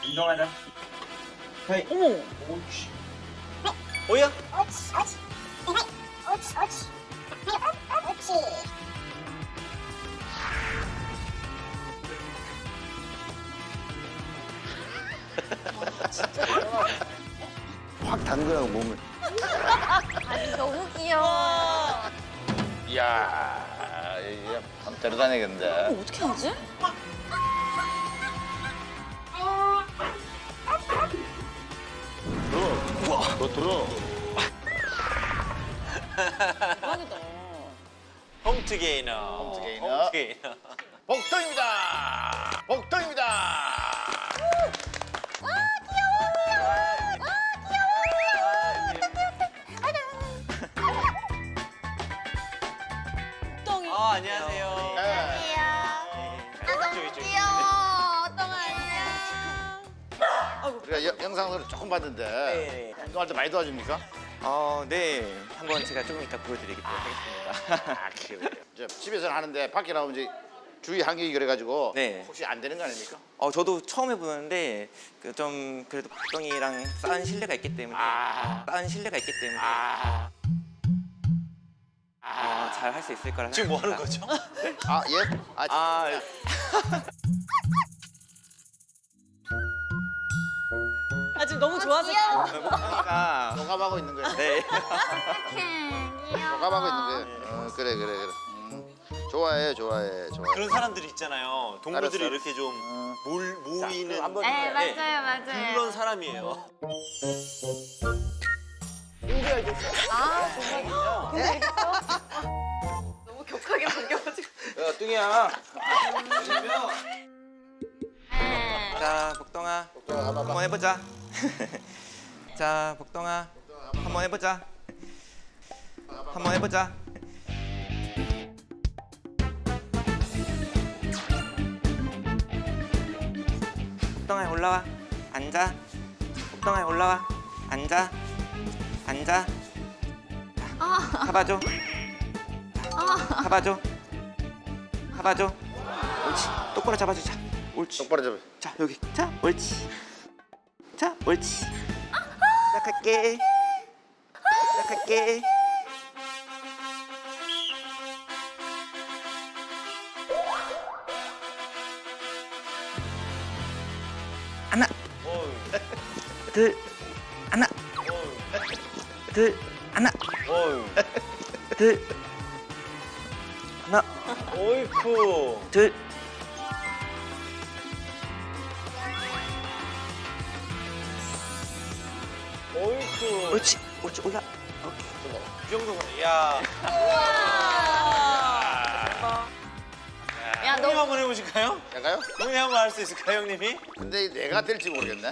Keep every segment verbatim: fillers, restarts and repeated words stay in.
운동하자. 헤이. 어머. 옳지. 오야. 옳지, 옳지. 헤이, 옳지, 옳지. 헤이, 옳, 옳지. 확 담그라고 몸을. 너무 귀여워. 이야, 이게 밤대로 다니겠는데. 어떻게 하지? 들어. 우와. 너 들어. 대박이다. 홈트 게이너. 홈트 게이너. 홈트 게이너. 복도입니다. 복도입니다. 똥이. 아, 안녕하세요. 네. 네. 이쪽, 이쪽. 귀여워. 어떤 아니야? 우리가 여- 영상으로 조금 봤는데 네. 운동할 때 많이 도와줍니까? 어, 네. 한번 제가 조금 이따 보여드리도록 하겠습니다. 아, 그래요. 이제 집에서는 하는데 밖에 나오면 이제 주의 한격이 그래가지고 네. 혹시 안 되는 거 아닙니까? 어, 저도 처음 해보는데 그 좀 그래도 박동이랑 쌓은 신뢰가 있기 때문에 아. 쌓은 신뢰가 있기 때문에 아, 어, 잘 할 수 있을 거라 지금 뭐 하는 생각합니다. 거죠? 아 예? 아, 아, 아 지금 너무 좋아서. 귀여워. 박동이가 동감하고 있는 거예요. 네. 귀여워. 동감하고 있는 거예요. 어, 그래 그래 그래. 음, 좋아해 좋아해 좋아해. 그런 사람들이 있잖아요. 동물들이 알았어, 이렇게 좀 어. 몰, 모이는 한번 네, 네. 맞아요, 맞아요. 그런 사람이에요. 아, 정말. 너무 격하게 반겨가지고. 야 뚱이야. 네. 자, 복동아. 한번 해보자. 자, 복동아. 한번 해보자. 한번 해보자. 복동아 올라와. 앉아. 복동아 올라와. 앉아. 앉아. 잡아줘. 잡아줘. 잡아줘. 옳지. 똑바로 잡아주자. 옳지. 똑바로 잡아. 자 여기. 자 옳지. 자 옳지. 시작할게. 시작할게. 하나, 어휴, 둘, 하나, 어휴, 둘, 하나, 어휴. 둘, 하나, 어이쿠. 둘. 어이쿠. 옳지. 옳지. 올라. 이 정도면, 야. 야, 형님 너 한번 해보실까요? 내가요? 형님 한번 할 수 있을까요, 형님이? 근데 내가 될지 모르겠네.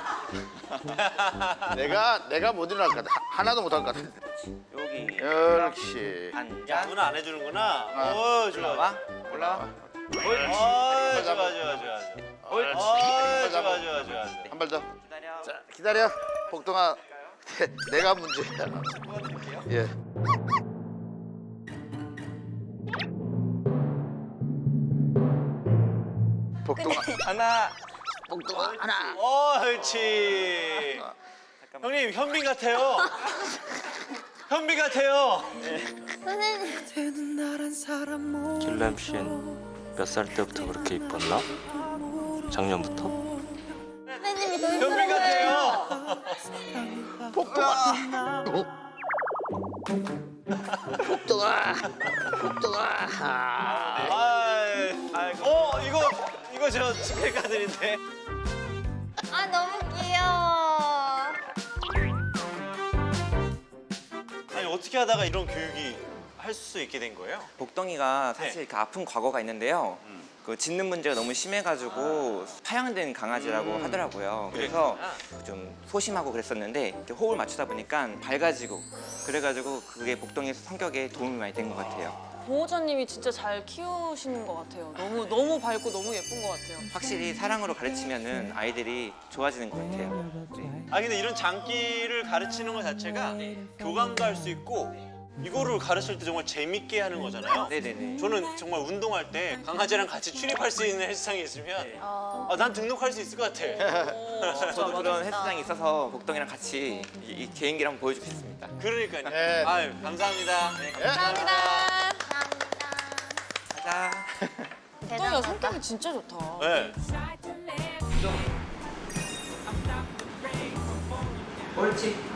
내가 내가 못 일어날 것 같아. 하- 하나도 못 할 것 같아. 여기. 그렇지. 야, 앉아. 누나 안 해주는구나. 아. 어, 좋아. 올라와. 올라와. 어, 좋아, 좋아, 좋아, 좋아. 옳지. 어, 좋아, 좋아, 좋아, 좋아. 한 발 더. 기다려. 자 기다려. 복동아. 내가 문제야. 예. 복동아. 하나. 복동아 하나. 어, 옳지. 형님, 현빈 같아요. 현빈 같아요. 길람 씨는 몇 살 때부터 그렇게 이뻤나? 작년부터? 선생님이 더 현빈 힘들어요. 같아요. 복동아. 복동아. 복동아. 아. 아이, 아이고. 어, 이거, 이거 저 축하드린데. 아, 너무 귀여워. 아니, 어떻게 하다가 이런 교육이 할 수 있게 된 거예요? 복덩이가 사실 네. 그 아픈 과거가 있는데요. 그 짖는 문제가 너무 심해가지고 파양된 강아지라고 음. 하더라고요. 그래서 좀 소심하고 그랬었는데 이렇게 호흡을 맞추다 보니까 밝아지고 그래가지고 그게 복덩이 성격에 도움이 많이 된 것 같아요. 보호자님이 진짜 잘 키우시는 것 같아요. 너무 너무 밝고 너무 예쁜 것 같아요. 확실히 사랑으로 가르치면은 아이들이 좋아지는 것 같아요. 네. 아, 근데 이런 장기를 가르치는 것 자체가 교감도 할 수 있고 이거를 가르칠 때 정말 재밌게 하는 거잖아요. 네네네. 저는 정말 운동할 때 강아지랑 같이 출입할 수 있는 헬스장이 있으면 아, 아, 난 등록할 수 있을 것 같아. 저도 그런 헬스장이 있어서 복동이랑 같이 이, 이 개인기를 한번 보여주고 싶습니다. 그러니까요. 네. 아유, 감사합니다. 네, 감사합니다. 감사합니다. 가자. 복동이가 성격이 진짜 좋다. 네. 옳지.